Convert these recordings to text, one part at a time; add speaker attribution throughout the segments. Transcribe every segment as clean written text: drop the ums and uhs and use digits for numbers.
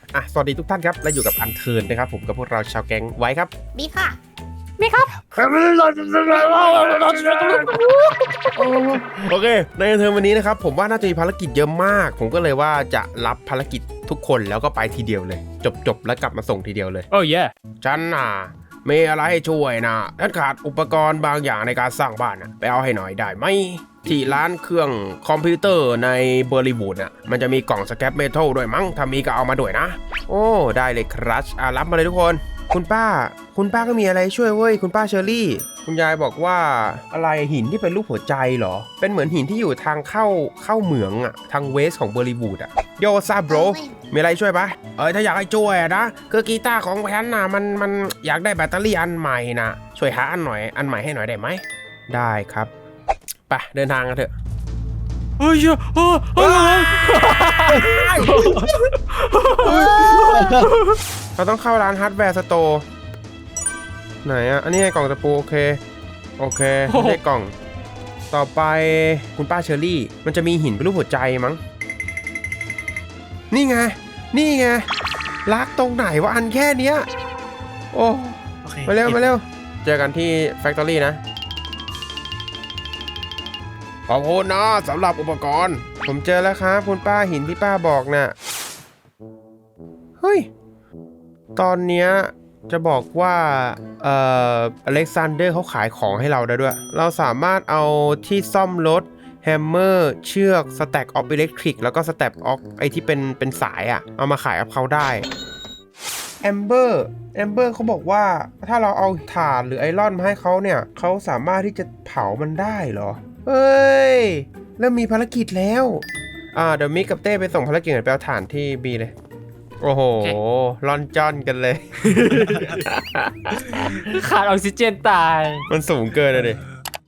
Speaker 1: สวัสดีทุกท่านครับและอยู่กับอันเทิร์นนะครับผมกับพวกเราชาวแก๊งไว้ครับ
Speaker 2: บีค่ะ
Speaker 1: โอเคในอันเทิร์นวันนี้นะครับผมว่าน่าจะมีภารกิจเยอะมากผมก็เลยว่าจะรับภารกิจทุกคนแล้วก็ไปทีเดียวเลยจบแล้วกลับมาส่งทีเดียวเลย
Speaker 3: โอ้ย
Speaker 1: ฉันมีอะไรให้ช่วยนะฉันขาดอุปกรณ์บางอย่างในการสร้างบ้านไปเอาให้หน่อยได้ไหมที่ร้านเครื่องคอมพิวเตอร์ในเบอร์ลีวูดมันจะมีกล่องสแครปเมทัลด้วยมั้งถ้ามีก็เอามาด้วยนะโอ้ได้เลยครับรับมาเลยทุกคนคุณป้าก็มีอะไรช่วยเว้ยคุณป้าเชอรี่คุณยายบอกว่าอะไรหินที่เป็นรูปหัวใจเหรอเป็นเหมือนหินที่อยู่ทางเข้าเหมืองทางเวสของเบอร์ลีวูดโยซาโบรมีอะไรช่วยปะถ้าอยากให้ช่วยนะคือกีตาร์ของฉันมันอยากได้แบตเตอรี่อันใหม่นะช่วยหาอันใหม่ให้หน่อยได้ไหมได้ครับไปเดินทางกันเถอะ
Speaker 3: เฮ้ย
Speaker 1: เราต้องเข้าร้านฮาร์ดแวร์สโตร์ไหนอันนี้ไงกล่องตะปูโอเคไม่ใช่กล่องต่อไปคุณป้าเชอรี่มันจะมีหินเป็นรูปหัวใจมั้งนี่ไงลักตรงไหนวะอันแค่เนี้ยโอ้มาเร็วเจอกันที่แฟคทอรี่นะขอบคุณนะสำหรับอุปกรณ์ผมเจอแล้วครับคุณป้าหินที่ป้าบอกน่ะเฮ้ยตอนเนี้ยจะบอกว่าอเล็กซานเดอร์เขาขายของให้เราได้ด้วยเราสามารถเอาที่ซ่อมรถแฮมเมอร์เชือกสแต็กออฟอิเล็กทริกแล้วก็สแต็กออฟไอที่เป็นสายเอามาขายกับเขาได้แอมเบอร์เขาบอกว่าถ้าเราเอาถ่านหรือไอรอนมาให้เขาเนี่ยเขาสามารถที่จะเผามันได้เหรอเฮ้ยเริ่มมีภารกิจแล้วเดี๋ยวมิกกับเต้ไปส่งภารกิจไปเอาถ่านที่บีเลยโอ้โหลอนจอนกันเลย
Speaker 3: ขาดออกซิเจนตาย
Speaker 1: มันสูงเกินเลยดิ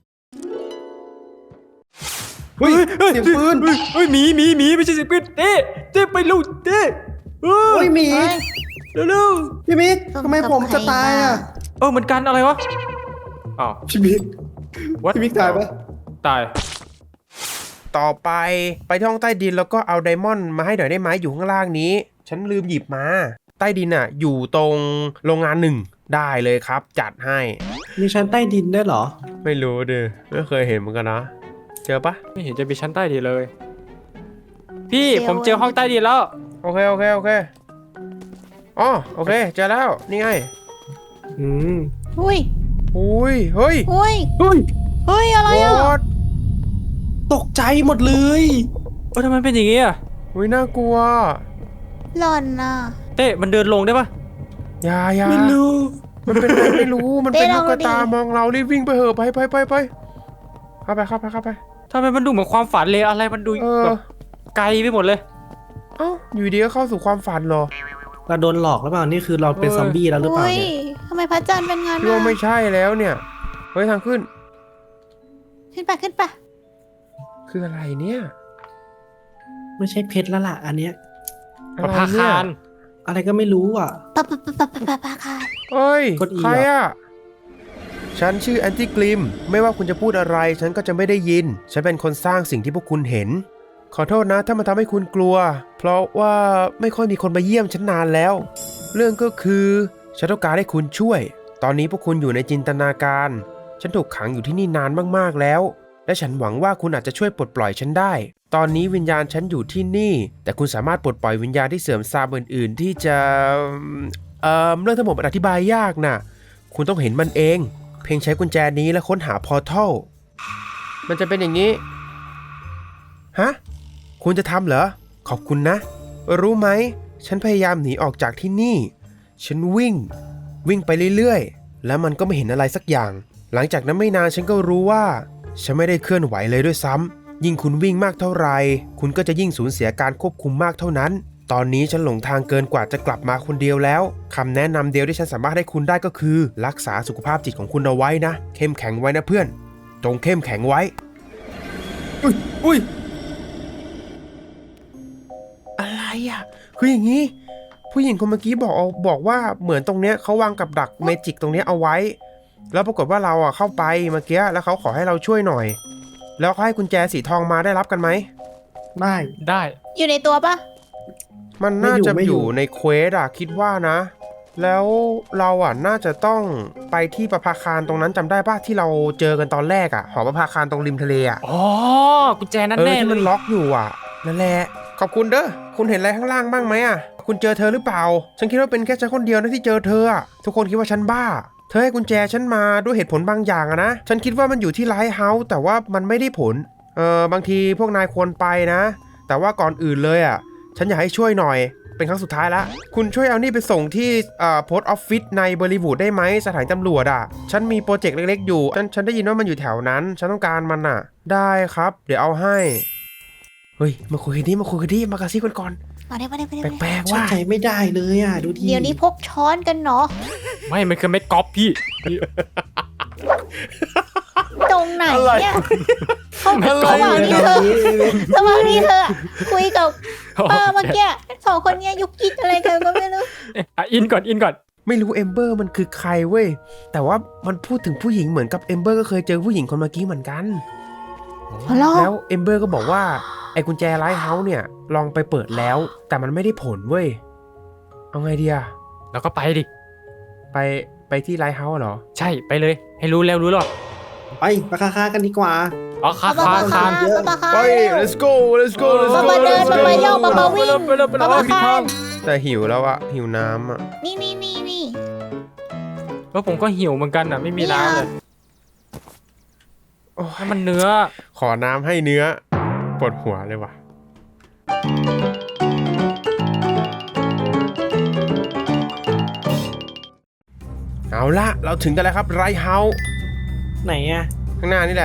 Speaker 1: เฮ้ยเสียงปืน
Speaker 3: เฮ้ยหมีไม่ใช่เสียงปืนเต้ไปลูกเต้
Speaker 4: เฮ้ยหมี
Speaker 3: เร็ว
Speaker 4: พี่มิกทำไมผมจะตาย
Speaker 3: เหมือนกันอะไรวะ
Speaker 4: พี่มิกตายปะ
Speaker 3: ตาย
Speaker 1: ต่อไปที่ห้องใต้ดินแล้วก็เอาไดมอนด์มาให้หน่อยได้ไหมอยู่ข้างล่างนี้ฉันลืมหยิบมาใต้ดินอยู่ตรงโรงงาน1ได้เลยครับจัดให้
Speaker 4: มีชั้นใต้ดินได้เหรอ
Speaker 1: ไม่รู้ดิไม่เคยเห็นเหมือนกันนะเจอปะ
Speaker 3: ไม่เห็นจะมีชั้นใต้ดินเลยพี่ผมเจอห้องใต้ดินแล้ว
Speaker 1: โอเคอ๋อโอเคเจอแล้วนี่ไง
Speaker 2: อุ้ย
Speaker 1: เฮ้ย
Speaker 2: อะไร
Speaker 4: ตกใจหมดเลย
Speaker 3: ทำไมเป็นอย่างงี้
Speaker 1: น่ากลัว
Speaker 2: หล่อน
Speaker 3: เต้มันเดินลงได้ปะ
Speaker 1: อย่า
Speaker 4: ไม่รู้
Speaker 1: มันเป็นอะไรไม่รู้มันเป็นลูกตามองเรารีบวิ่งไปเหอะไปเข้าไป
Speaker 3: ทำไมมันดูเหมือนความฝันเลยอะไรมันดูแบบไกลไปหมดเลย
Speaker 1: อยู่ดีก็เข้าสู่ความฝันเหรอ
Speaker 4: เราโดนหลอกหรือเปล่านี่คือเราเป็นซอมบี้แล้วหรือเปล่าเนี่ย
Speaker 2: ทำไมพระจันทร์เป็นงั้น
Speaker 1: เราไม่ใช่แล้วเนี่ยเฮ้ยทางขึ้น
Speaker 2: ไป
Speaker 1: คืออะไรเนี่ย
Speaker 4: ไม่ใช่เพชรแล้วล่ะอันเนี้ย
Speaker 3: ประภาคาร
Speaker 4: อะไรก็ไม่รู้
Speaker 2: ประภาคาร
Speaker 1: เฮ้ยใครฉันชื่อแอนตี้กลิมไม่ว่าคุณจะพูดอะไรฉันก็จะไม่ได้ยินฉันเป็นคนสร้างสิ่งที่พวกคุณเห็นขอโทษนะถ้ามันทำให้คุณกลัวเพราะว่าไม่ค่อยมีคนมาเยี่ยมฉันนานแล้วเรื่องก็คือฉันต้องการให้คุณช่วยตอนนี้พวกคุณอยู่ในจินตนาการฉันถูกขังอยู่ที่นี่นานมากๆแล้วและฉันหวังว่าคุณอาจจะช่วยปลดปล่อยฉันได้ตอนนี้วิญญาณฉันอยู่ที่นี่แต่คุณสามารถปลดปล่อยวิญญาณที่เสื่อมทรามอื่นๆที่จะเรื่องทั้งหมดมันอธิบายยากนะคุณต้องเห็นมันเองเพียงใช้กุญแจนี้และค้นหาพอร์ทัลมันจะเป็นอย่างนี้ฮะคุณจะทำเหรอขอบคุณนะรู้ไหมฉันพยายามหนีออกจากที่นี่ฉันวิ่งไปเรื่อยๆแล้วมันก็ไม่เห็นอะไรสักอย่างหลังจากนั้นไม่นานฉันก็รู้ว่าฉันไม่ได้เคลื่อนไหวเลยด้วยซ้ำยิ่งคุณวิ่งมากเท่าไหร่คุณก็จะยิ่งสูญเสียการควบคุมมากเท่านั้นตอนนี้ฉันหลงทางเกินกว่าจะกลับมาคนเดียวแล้วคำแนะนำเดียวที่ฉันสามารถให้คุณได้ก็คือรักษาสุขภาพจิตของคุณเอาไว้นะเข้มแข็งไว้นะเพื่อนจงเข้มแข็งไว้อุ้ยอะไรคืออย่างนี้ผู้หญิงคนเมื่อกี้บอกว่าเหมือนตรงเนี้ยเขาวางกับดักเมจิกตรงเนี้ยเอาไว้แล้วปรากฏว่าเราเข้าไปเมื่อกี้แล้วเขาขอให้เราช่วยหน่อยแล้วเขาให้กุญแจสีทองมาได้รับกันไหม
Speaker 3: ได้
Speaker 2: อยู่ในตัวปะ
Speaker 1: มันน่าจะอยู่ในเควสอะคิดว่านะ แล้วเราอะน่าจะต้องไปที่ประภาคารตรงนั้นจำได้ป่ะที่เราเจอกันตอนแรกอะหอประภาคารตรงริมทะเลอะ
Speaker 3: อ๋อกุญแจนั่นแน่
Speaker 1: ที่
Speaker 3: เล
Speaker 1: มัน
Speaker 3: ย
Speaker 1: ล็อกอยู่อะนั่นแหละขอบคุณเด้อคุณเห็นอะไรข้างล่างบ้างไหมอะคุณเจอเธอหรือเปล่าฉันคิดว่าเป็นแค่ฉันคนเดียวนะที่เจอเธออะทุกคนคิดว่าฉันบ้าเธอให้กุญแจฉันมาด้วยเหตุผลบางอย่างอะนะฉันคิดว่ามันอยู่ที่ไลท์เฮาส์แต่ว่ามันไม่ได้ผลบางทีพวกนายควรไปนะแต่ว่าก่อนอื่นเลยอะฉันอยากให้ช่วยหน่อยเป็นครั้งสุดท้ายละคุณช่วยเอานี่ไปส่งที่โพสต์ออฟฟิศในบริวูดได้ไหมสถานตำรวจอ่ะฉันมีโปรเจกต์เล็กๆอยู่ฉันได้ยินว่ามันอยู่แถวนั้นฉันต้องการมันอ่ะได้ครับเดี๋ยวเอาให้เฮ้ยมาคุยกันดิมากระซิบกันก่อน
Speaker 2: มาได้
Speaker 1: แปลกๆ
Speaker 4: ฉัน
Speaker 1: ว่า
Speaker 4: ใจไม่ได้เลยอ่ะดูดิ
Speaker 2: เดี๋ยวนี้พกช้อนกันเนาะ
Speaker 3: ไม่มันคือเม็ดก๊อปพี่
Speaker 2: ตรงไหน
Speaker 3: อะไร
Speaker 2: เนี่ยเขา
Speaker 3: อะไร
Speaker 2: ระหว่างนี้เธอระหว่างนี้เธอคุยกับป้าเมื่อกี้สองคนเนี้ยยุกยิกอะไรกันก็ไม่รู้
Speaker 3: อินก่อน
Speaker 1: ไม่รู้เอมเบอร์มันคือใครเว้ยแต่ว่ามันพูดถึงผู้หญิงเหมือนกับเอมเบอร์ก็เคยเจอผู้หญิงคนเมื่อกี้เหมือนกัน
Speaker 2: ฮัลโหล
Speaker 1: แล้วเอมเบอร์ก็บอกว่าไอ้กุญแจไลท์เฮาส์เนี่ยลองไปเปิดแล้วแต่มันไม่ได้ผลเว้ยเอาไงดีอะ
Speaker 3: แล้วก็ไปดิ
Speaker 1: ไปที่ไลท์เฮาส์เหรอ
Speaker 3: ใช่ไปเลย ให้รู้แล้วรู้หรอ
Speaker 4: ไปราคากันดีกว่า
Speaker 3: อ๋อคา
Speaker 2: ป้า
Speaker 3: คาน
Speaker 2: ป้า
Speaker 1: ไป
Speaker 2: เร็ว
Speaker 1: let's go
Speaker 2: มาเดินมาย่องมาวิ่ง
Speaker 3: ไปเลย
Speaker 2: มาคาน
Speaker 1: แต่หิวแล้วอะหิวน้ำอะ
Speaker 2: นี่
Speaker 3: เพราะผมก็หิวเหมือนกันอ่ะไม่มีน้ำเลย
Speaker 1: โอ้ย
Speaker 3: ให้มันเนื้อ
Speaker 1: ขอน้ำให้เนื้อปวดหัวเลยว่ะเอาละเราถึงกันแล้วครับไรเฮาส์
Speaker 4: ไหนอ่ะ
Speaker 1: ข้างหน้านี่แหละ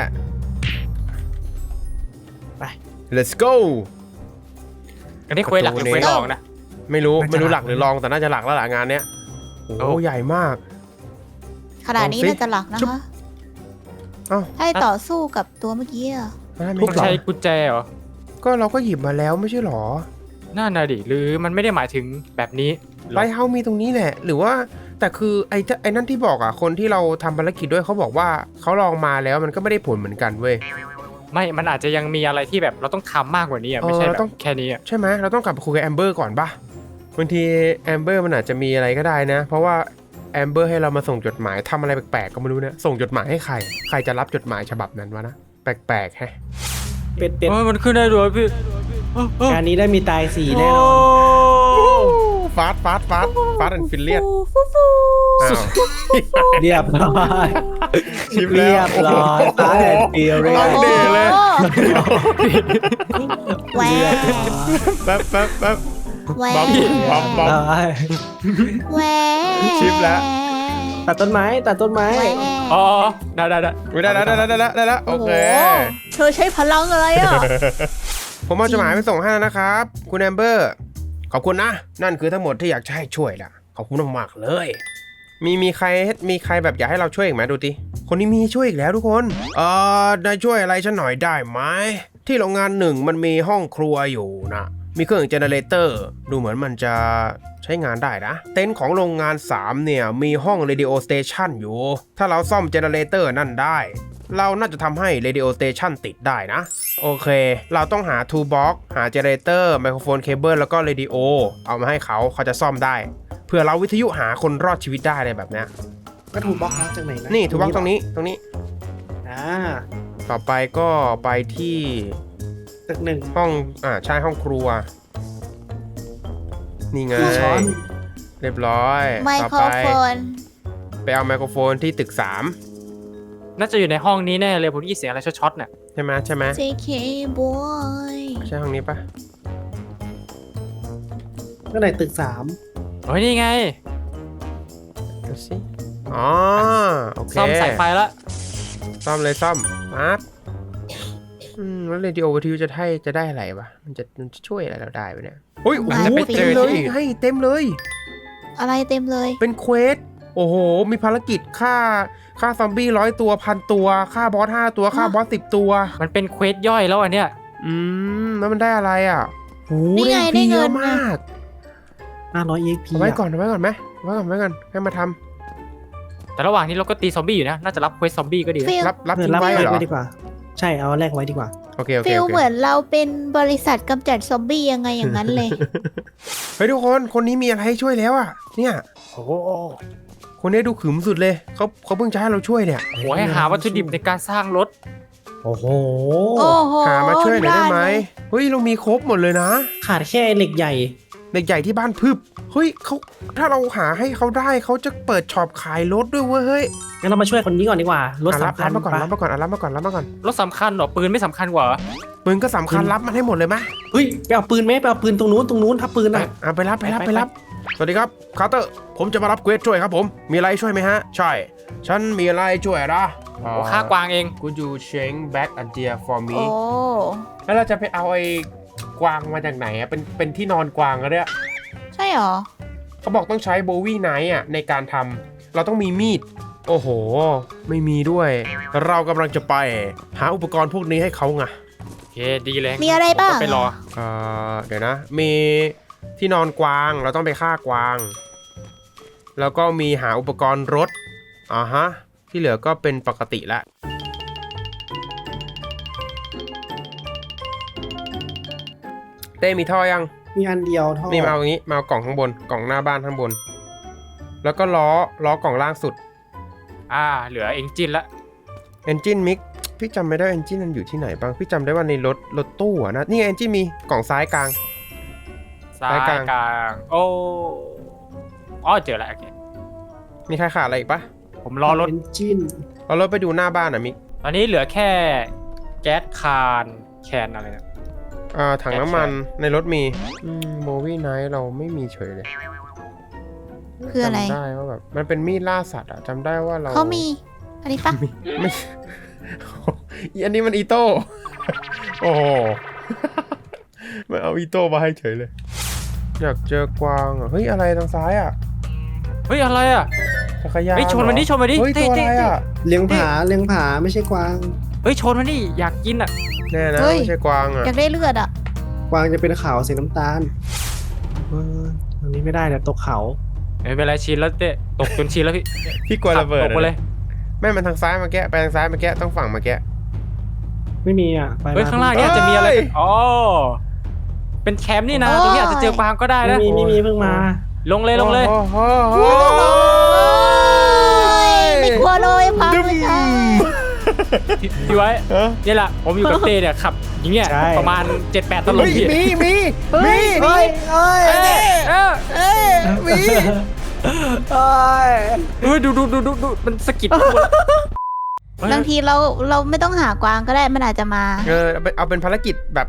Speaker 4: ไป
Speaker 1: let's go
Speaker 3: อันนี้เควสหลักหรือเควสรองนะ
Speaker 1: ไม่รู้
Speaker 4: น่าจะ
Speaker 1: หลักหรือรองแต่น่าจะหลักแล้วล่ะงานเนี้ยโอ้
Speaker 3: โอ้
Speaker 1: ใหญ่มาก
Speaker 2: ขนาดนี้น่าจะหลักนะคะ
Speaker 1: เอ้า
Speaker 2: ให้ต่อสู้กับตัวเมื่อกี้อะ
Speaker 1: ได้ไหม
Speaker 3: ต้องใช้กุญแจเหรอ
Speaker 1: ก็เราก็หยิบมาแล้วไม่ใช่หรอ
Speaker 3: น่าน่ะดิหรือมันไม่ได้หมายถึงแบบนี้หร
Speaker 1: ไร
Speaker 3: อ
Speaker 1: เฮาส์มีตรงนี้แหละ หรือว่าแต่คือไอ้นั่นที่บอกอ่ะคนที่เราทำภารกิจด้วยเขาบอกว่าเขาลองมาแล้วมันก็ไม่ได้ผลเหมือนกันเว้ย
Speaker 3: ไม่มันอาจจะยังมีอะไรที่แบบเราต้องทำมากกว่านี้อ่ะไม่ใช่
Speaker 1: เรา
Speaker 3: แบ
Speaker 1: ต้อง
Speaker 3: บแค่นี้อ่ะ
Speaker 1: ใช่ไหมเราต้องกลับไปคุยกับแอมเบอร์ก่อนปะบางทีแอมเบอร์มันอาจจะมีอะไรก็ได้นะ เพราะว่าแอมเบอร์ให้เรามาส่งจดหมายทำอะไรแปลกๆก็ไม่รู้เนี่ยส่งจดหมายให้ใครจะรับจดหมายฉบับนั้นวะนะแปลกๆแฮะ
Speaker 4: เป็ด
Speaker 3: เออมันขึ้นได้ด้วยพี่
Speaker 4: งานนี้ได้มีตายสีแน่นอน
Speaker 1: ฟาสแอนฟิลเลียน
Speaker 2: ฟู
Speaker 4: เรียบร้อย
Speaker 1: ชิม
Speaker 4: เรี
Speaker 1: แล้
Speaker 4: ยว บร้อยตายเปียเรีย
Speaker 1: ลองดิเลย
Speaker 2: แหว
Speaker 1: แป๊บ
Speaker 2: แหว
Speaker 1: บ๊อบ
Speaker 2: แหว
Speaker 1: ชิปแล้ว
Speaker 4: ตัดต้นไม้
Speaker 3: อ๋อได้
Speaker 1: ได้แล้วโอ
Speaker 2: โอ้โห
Speaker 1: เค
Speaker 2: เธอใช้พลังอะไรอ่ะ
Speaker 1: ผมเอาจดหมายไปส่งให้แล้วนะครับคุณแอมเบอร์ขอบคุณนะนั่นคือทั้งหมดที่อยากจะให้ช่วยล่ะขอบคุณมากๆเลยมีใครแบบอยากให้เราช่วยอีกไหมดูดิคนนี้มีช่วยอีกแล้วทุกคนนายช่วยอะไรฉันหน่อยได้ไหมที่โรงงานหนึ่งมันมีห้องครัวอยู่นะมีเครื่องเจเนเรเตอร์ดูเหมือนมันจะใช้งานได้นะเต็นท์ของโรงงาน3เนี่ยมีห้องเรดิโอสเตชันอยู่ถ้าเราซ่อมเจเนเรเตอร์นั่นได้เราน่าจะทำให้ Radio Station ติดได้นะโอเคเราต้องหา Toolbox หา Generator ไมโครโฟนเคเบิลแล้วก็ Radio เอามาให้เขาจะซ่อมได้เพื่อเราวิทยุหาคนรอดชีวิตได้อะไรแบบเนี้ย
Speaker 4: ก็ถูกบล็อกจากไหนนะ
Speaker 1: นี่ Toolbox ตรงนี้
Speaker 4: อ่า
Speaker 1: ต่อไปก็ไปที่
Speaker 4: ตึกหนึ่ง
Speaker 1: ห้องใช่ห้องครัวนี่ไง
Speaker 4: ช้อน
Speaker 1: เรียบร้อย
Speaker 2: ไม
Speaker 1: ต่อ
Speaker 2: โคร
Speaker 1: ไป
Speaker 2: โฟน
Speaker 1: ไปเอาไมโครโฟนที่ตึก3
Speaker 3: น่าจะอยู่ในห้องนี้แน่เลยผมได้ยินเสียงอะไรช็อตๆเนี่ย
Speaker 1: ใช่ไหม
Speaker 2: JK boy
Speaker 1: ใช่ห้องนี้ปะ
Speaker 4: ก็ไหนตึก
Speaker 3: โอ้ยนี่ไง
Speaker 1: ดูสิอ๋อโอเค
Speaker 3: ซ่อมสายไฟละ
Speaker 1: ซ่อมปั๊บแล้วเรดิโอวิทยุจะได้อะไรวะมันจะช่วยอะไรเราได้ปะเนี่ยโอ้ยโอ้
Speaker 2: อาจ
Speaker 1: โห
Speaker 2: จะไป
Speaker 1: เต็มเลยให้เต็มเลย
Speaker 2: อะไรเต็มเลย
Speaker 1: เป็นเควสโอ้โหมีภารกิจฆ่าซอมบี้100 ตัว 1,000 ตัวฆ่าบอส5 ตัวฆ่าบอส10 ตัว
Speaker 3: มันเป็นเควสย่อยแล้วอันเนี้ย
Speaker 1: แล้วมันได้อะไรอ่ะโห
Speaker 2: นี่ไง
Speaker 1: ได้
Speaker 2: ได้เงิ
Speaker 1: เยอะ
Speaker 2: น
Speaker 1: มาก
Speaker 4: 500 EXP
Speaker 1: เอาไว้ก่อนไหมให้มาท
Speaker 3: แต่ระหว่างนี้เราก็ตีซอมบี้อยู่นะน่าจะรับเควสซอมบี้ก็ดีนะ
Speaker 2: ฟิล
Speaker 1: ำรับทิ้ง
Speaker 4: รับ
Speaker 1: ไว้
Speaker 4: แลก
Speaker 1: เหรอ
Speaker 4: ไว้ดีกว่า ใช่เอาแลกไว้ดีกว่า
Speaker 1: โอเคโอเค
Speaker 2: ฟิล
Speaker 1: โอเค
Speaker 2: เหมือนเราเป็นบริษัทกำจัดซอมบี้ยังไงอย่างนั้นเลย
Speaker 1: เฮ้ยทุกคนคนนี้มีอะไรให้ช่วยแล้วอะเนี่ย
Speaker 3: โอ้โห
Speaker 1: คนนี้ดูขึมสุดเลยเขาเพิ่งจะให้เราช่วยเนี่ย
Speaker 3: โหให้หาวัตถุดิบในการสร้างรถ
Speaker 4: โอ้โห
Speaker 2: โอ้โห
Speaker 1: หามาช่วยหน่อยได้ไหม
Speaker 2: เลย
Speaker 1: เฮ้ยเรามีครบหมดเลยนะ
Speaker 4: ขาดแค่เหล็กใหญ่
Speaker 1: เด็กใหญ่ที่บ้านพึบเฮ้ยเขาถ้าเราหาให้เขาได้เขาจะเปิดช็อปขายรถด้วยเว้ยเฮ้ย
Speaker 4: งั้นเรามาช่วยคนนี้ก่อนดีกว่า รถ
Speaker 1: รับ
Speaker 4: สำคัญ
Speaker 1: มาก่อน
Speaker 4: ปะ
Speaker 1: รับมาก่อนรับมาก่อนรับมาก่อน
Speaker 3: รถสำคัญเหรอปืนไม่สำคัญกว่าเหรอ
Speaker 1: ปืนก็สำคัญรับมันให้หมดเลยไหม
Speaker 4: เฮ้ยไปเอาปืนไหมไปเอาปืนตรงนู้นถ้าปืนอ่ะ
Speaker 1: อ่ะไปรับสวัสดีครับคาร์เตอร์ผมจะมารับเควสช่วยครับผมมีอะไรช่วยไหมฮะใช่ฉันมีอะไรช่วยนะ
Speaker 3: โอ้ฆ่ากวางเอง
Speaker 1: Could you change back a deer for me
Speaker 2: โอ้
Speaker 1: แล้วเราจะไปเอาไอ้กวางมาจากไหนอะเป็นที่นอนกวางอะเนี่ย
Speaker 2: ใช่เหรอ
Speaker 1: เขาบอกต้องใช้โบวี่ไนท์อะในการทำเราต้องมีมีดโอ้โห ไม่มีด้วย เรากำลังจะไปหาอุปกรณ์พวกนี้ให้เขาไง
Speaker 3: โอเคดีเลย
Speaker 2: มีอะไรบ้าง
Speaker 3: ผมก็ไปรอ
Speaker 1: เดี๋ยวนะ มีที่นอนกวางเราต้องไปฆ่ากวาง แล้วก็มีหาอุปกรณ์รถฮะที่เหลือก็เป็นปกติละเต้มีท่อยัง
Speaker 4: มีอันเดียวเท่า
Speaker 1: นี่มาเอาอย่างนี้มาเอากล่องข้างบนกล่องหน้าบ้านข้างบน แล้วก็ล้อกล่องล่างสุด
Speaker 3: เหลือเองจินละ
Speaker 1: Engine Mix พี่จำไม่ได้ Engine มันอยู่ที่ไหนบ้างพี่จำได้ว่าในรถตู้อะนะนี่ไง Engine มีกล่องซ้ายกลาง
Speaker 3: ซ้าย
Speaker 1: ซ้าย
Speaker 3: ก
Speaker 1: ก
Speaker 3: ลา
Speaker 1: ลาง
Speaker 3: งเจอแล้วโอเค
Speaker 1: มีใครขาดอะไรอีกปะ
Speaker 3: ผมรอรถ
Speaker 4: เป็นจิ้น
Speaker 1: เอารถไปดูหน้าบ้านอ่ะมิก
Speaker 3: ตอนนี้เหลือแค่แก๊สคานแคนอะไรเนี่ย
Speaker 1: ถังน้ำมันในรถมีโบวี่ไนท์เราไม่มีเฉยเลย
Speaker 2: คืออะไร
Speaker 1: จำได้ว่าแบบมันเป็นมีดล่าสัตว์อะจำได้ว่าเรา
Speaker 2: เขามี อันนี้ปะ
Speaker 1: ไม่ อันนี้มันอีโต้ โอ้โห มันเอาอีโต้มาให้เฉยเลย อยากเจอกวางอ่ะเฮ้ยอะไรทางซ้ายอ่ะ
Speaker 3: เฮ้ยอะไรอ่ะ
Speaker 1: จักรยาน
Speaker 3: เฮ้ยชนมันดิ
Speaker 1: เหรอ
Speaker 3: ชนมันดิ
Speaker 1: เฮ้ย
Speaker 3: เต้
Speaker 1: ตัวอะไร
Speaker 3: เต้
Speaker 1: อ่ะ
Speaker 4: เลี้ยงผาไม่ใช่กวาง
Speaker 3: เฮ้ยชนมันดิอยากกินอ่ะ
Speaker 1: แน่นะ
Speaker 2: เฮ้ย
Speaker 1: ไม่ใช่กวางอ่ะ
Speaker 2: อยากได้เลือดอ่ะ
Speaker 4: กวางจะเป็นขาวสีน้ำตาลอันนี้ไม่ได้เดี๋ยวตกเขา
Speaker 3: ไม่เป็นไรชินแล้วเต้ตกจนชินแล้วพี่
Speaker 1: พี่กลัวระเบิด
Speaker 3: ตกไปเลย
Speaker 1: แม่มันทางซ้ายมาแกะไปทางซ้ายมาแกะต้องฝั่งมาแกะ
Speaker 4: ไม่มีอ่ะไป
Speaker 3: เฮ้ยข้างล่างเนี่ยจะมีอะไรอ๋อเป็นแคมป์นี่นะ
Speaker 2: โอ้ย
Speaker 3: ตรงนี้อาจจะเจอกวางก็ได้
Speaker 4: ไม่
Speaker 3: นะ
Speaker 4: มีเพิ่งมา
Speaker 3: ลงเลยลงเลย
Speaker 1: โอ้โห
Speaker 2: ไม่กลัวเลยพังเลยค่ะ
Speaker 3: พี่ไว้
Speaker 1: เออ
Speaker 3: นี่แหละผมอยู่กับเต้เนี่ยขับอย่างเงี้ย
Speaker 4: ใช่
Speaker 3: ประมาณ 7-8 ตลบ
Speaker 1: เฮ้ย
Speaker 3: พี่
Speaker 1: มี
Speaker 2: เฮ้ย
Speaker 1: เอ้ย มี
Speaker 3: ดูมันสะกิดตัว
Speaker 2: บางทีเราไม่ต้องหากวางก็ได้มันอาจจะมา
Speaker 1: เอาเป็นภารกิจแบบ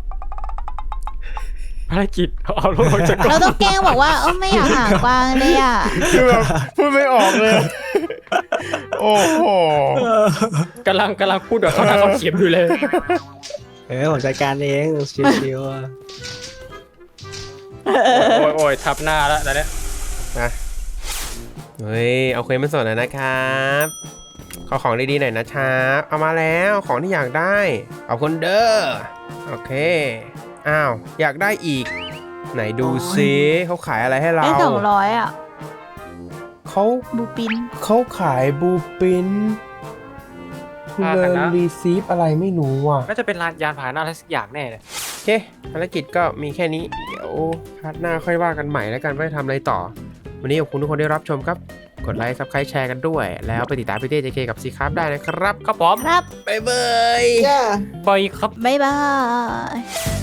Speaker 3: ภารกิจเอาลงจากกล่อง
Speaker 2: เราต้องแกล้งบอกว่าไม่อยากหากวางเลยอ่ะ
Speaker 1: คือแบบพูดไม่ออกเลย โอ้โห
Speaker 3: กำลังพูดแบบเขาทำเขาเขียนอยู่เลย
Speaker 4: ผมจัดการเองชิว
Speaker 3: โอ้ยทับหน้าแล้วตอนเนี้ย
Speaker 1: นะเฮ้ยเอาเคยมาสอนหน่อยนะครับขอของดีๆหน่อยนะครับเอามาแล้วของที่อยากได้เอาคนเด้อโอเคอ้าวอยากได้อีก ไหนดูซิเขาขายอะไรให้เรา
Speaker 2: ได้200อ่ะ
Speaker 1: เขา
Speaker 2: บูปิน
Speaker 1: เขาขายบูปินเลรีซีฟอะไรไม่รู้อ่ะ
Speaker 3: น่าจะเป็นยานพาหนะอะไรสักอย่างแน่เลย
Speaker 1: โอเคภารกิจก็มีแค่นี้เดี๋ยวพาร์ทหน้าค่อยว่ากันใหม่แล้วกันว่าจะทำอะไรต่อ วันนี้ขอบคุณทุกคนที่รับชมครับกดไลค์ซับสไครต์แชร์กันด้วย แล้วไปติดตามพี่เต้ JK กับซีครับได้นะครับ
Speaker 3: ครับผม
Speaker 2: ครับ
Speaker 1: บ๊ายบาย
Speaker 4: ๆ
Speaker 3: บอยครับ
Speaker 2: บ๊ายบาย